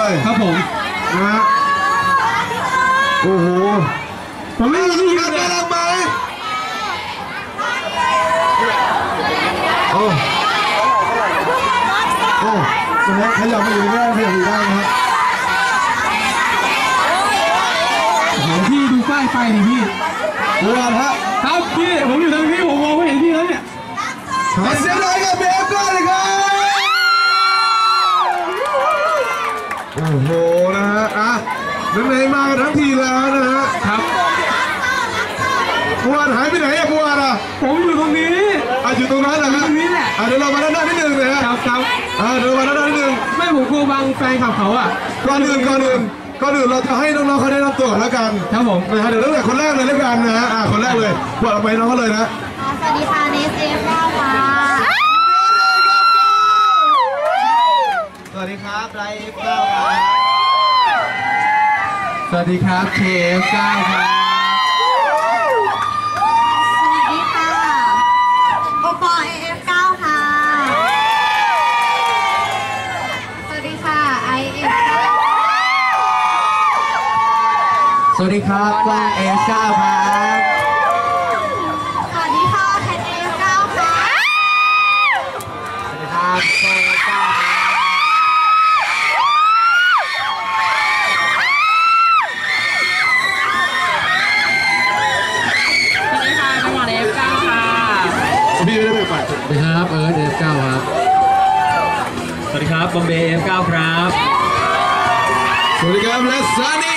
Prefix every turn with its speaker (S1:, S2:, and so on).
S1: เลย
S2: ครับผม
S1: นะฮะโอ้โห
S2: ผมไม่มีที่ยืนเลย
S1: น่ารักไหมโอ้โอ้นะฮะขยับมาอยู่ได้ขยับอยู่ได้นะฮะ
S2: พี่ดูป้ายไฟดิพี่
S1: ดูกันฮะ
S2: ครับพี่ผมอยู่ตรงนี้ผมมองไม่เห็นพี่แล้วเนี่ย
S1: ขอเสียงหน่อยกับเบฟก่อนเลยครับโอ้โหนะฮะอ่ะไหนๆมากันทั้งทีแล้วนะฮะ
S2: ครับ
S1: บัวหายไปไหนอะบัวอ่ะ
S2: ผมอยู่ตรงนี้
S1: อยู่ตรงนั้นนะฮะ
S2: ตรงนี้แหละ
S1: เดี๋ยวเรามาด้านหน้านิดนึงนะฮะ
S2: ครับ
S1: เดี๋ยวมาด้านหน้านิดนึง
S2: ไม่ผมกลัวบังแฟนขับเขาอ่ะ
S1: ก่อนอื่นเราจะให้น้องๆเขาได้รับตัวก่อนแล้วกัน
S2: ครับผม
S1: นะฮะเดี๋ยวตั้งแต่คนแรกเลยแล้วกันนะฮะคนแรกเลยบอกเราไปน้องเขาเลยนะ
S3: สวัสดีค่ะเนสเอฟเก้าค่ะ
S4: สวัสดีครับไลฟ์เก้าครับ
S2: สวัสดีครับเคฟเก้าครับ
S3: สวัสดีค่ะโอปอเอฟเก้าค่ะสวัสดีค่ะไอเอฟเก้า
S2: สวัสดีครับกล้องเอฟเก้าครับ
S3: สวัสดีค่ะแคทเอฟเก้าค่ะ
S2: สวัสดีครับโซเก้า
S1: พี่ไม่ได้ไปปัด
S2: สวัสดีครับเอิร์ธF9ครับ
S4: สวัสดีครับบอมเบย์ F9 ครับ
S1: สวัสดีครับและซันนี่